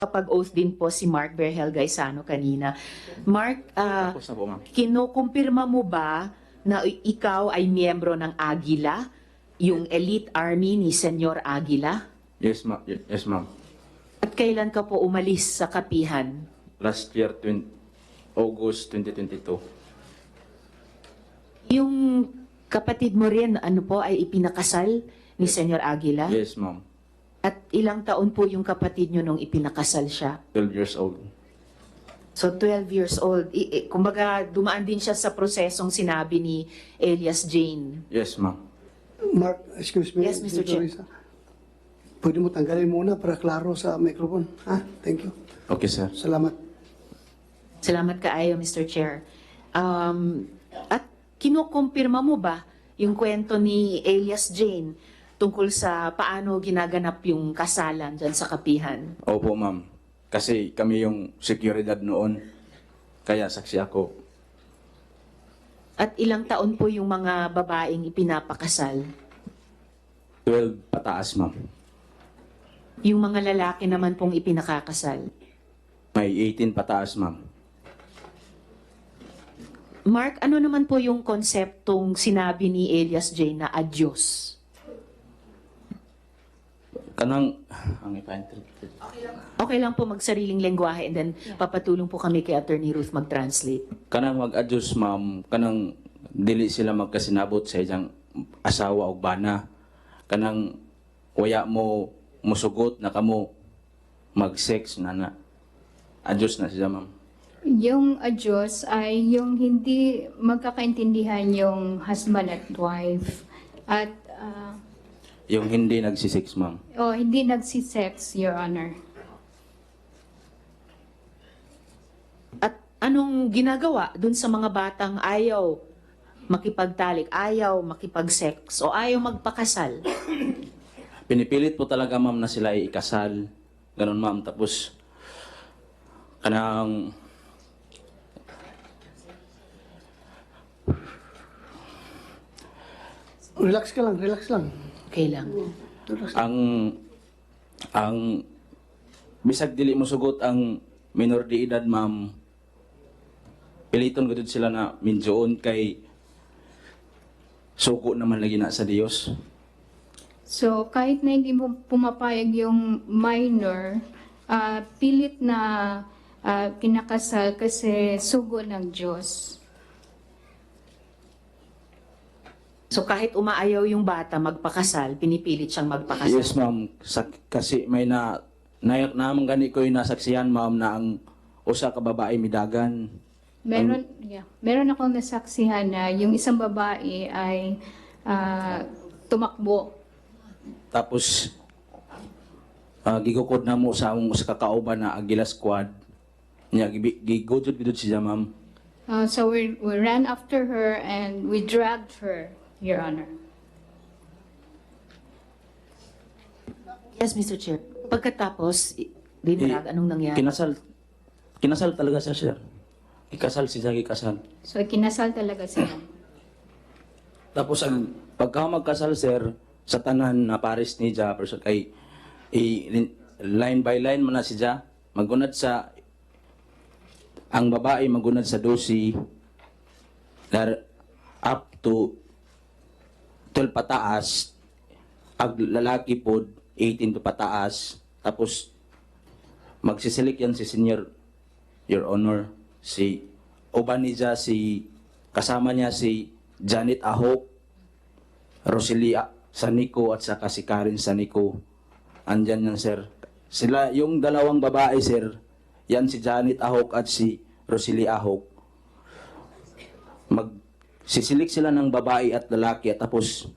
Kapag-oath din po si Mark Berhel Gaisano kanina. Mark, Tapos na po, ma'am. kinukumpirma mo ba na ikaw ay miyembro ng Agila, yung elite army ni Senyor Aguila? Yes, ma'am. Yes, ma'am. At kailan ka po umalis sa kapihan? Last year, August 2022. Yung kapatid mo rin, ano po, ay ipinakasal ni Senyor Aguila? Yes, ma'am. At ilang taon po yung kapatid nyo nung ipinakasal siya? 12 years old. So 12 years old. Kumbaga, dumaan din siya sa prosesong sinabi ni Elias Jane. Yes, ma'am. Mark, excuse me. Yes, Mr. Chair. Risa. Pwede mo tanggalin muna para klaro sa microphone. Ha? Thank you. Okay, sir. Salamat. Salamat kaayo, Mr. Chair. At kinukumpirma mo ba yung kwento ni Elias Jane tungkol sa paano ginaganap yung kasalan dyan sa kapihan? Opo, ma'am. Kasi kami yung seguridad noon. Kaya saksi ako. At ilang taon po yung mga babaeng ipinapakasal? 12 pataas, ma'am. Yung mga lalaki naman pong ipinakakasal? May 18 pataas, ma'am. Mark, ano naman po yung konseptong sinabi ni Elias Jane na adyos? Kanang, ang ipa-interpret. Okay lang po magsariling lengguwahe and then papatulong po kami kay Attorney Ruth mag-translate. Kanang mag-adjust, ma'am. Kanang dili sila magkasinabot sa isang asawa o bana. Kanang waya mo musugot na kamo mag-sex na adjust na siya, ma'am. Yung adyos ay yung hindi magkakaintindihan yung husband at wife. At Yung hindi nagsisex, ma'am. hindi nagsisex, Your Honor. At anong ginagawa dun sa mga batang ayaw makipagtalik, ayaw makipag-sex o ayaw magpakasal? Pinipilit po talaga, ma'am, na sila ay ikasal. Ganun, ma'am. Tapos, kanang Relax ka lang, relax lang. Okay lang. Relax. ang bisag dili mo sugot ang minor de edad, ma'am. Piliton gud sila na minjoon kay suko naman lagi na sa Dios. So, kahit na hindi mo pumapayag yung minor, pilit na kinakasal kasi sugo ng Diyos. So kahit umaayaw yung bata magpakasal, pinipilit siyang magpakasal. Yes, ma'am. Kasi may nayak naman gani ko yung nasaksihan, ma'am, na ang usa ka babae midagan. Meron akong nasaksihan na yung isang babae ay tumakbo. Tapos gigukod na mo sa among usa ka kauban na Agila squad. Nya gigudod gidud siya, ma'am. So we ran after her and we dragged her, Your Honor. Yes, Mr. Chair. Pagkatapos, dinarag, anong nangyari? Kinasal talaga siya, sir. Ikasal siya, ikasal. So kinasal talaga sila. Tapos ang pagka magkasal, sir, sa tanan na pares ni Ja, person kay line by line man na siya, magunad sa ang babae magunad sa 12 up to 12 pataas, ang lalaki po 18 to pataas, tapos magsisilik yan si Senior, Your Honor, si uban niya, si kasama niya si Janet Ahok, Roselia Sanico at saka si Karen Sanico. Andyan yan, sir. Sila, yung dalawang babae, sir, yan si Janet Ahok at si Roselia Ahok. Magsisilik sila ng babae at lalaki at tapos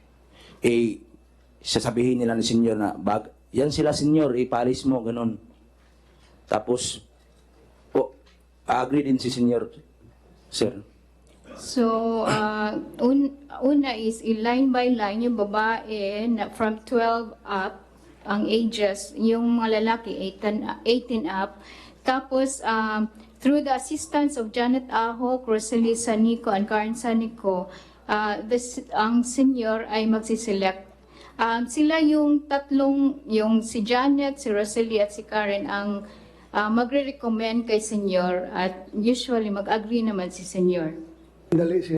sasabihin nila ni Senyor na yan sila, Senyor, ipalis mo, ganun. Tapos agree din si Senyor, sir. So, una is line by line yung babae na from 12 up, ang ages, yung mga lalaki 18 up. Tapos, through the assistance of Janet Ahok, Rosalie Sanico, and Karen Sanico, ang senior ay magsiselect. Sila yung tatlong, yung si Janet, si Rosalie at si Karen ang magre-recommend kay Senyor at usually mag-agree naman si Senyor. Dali,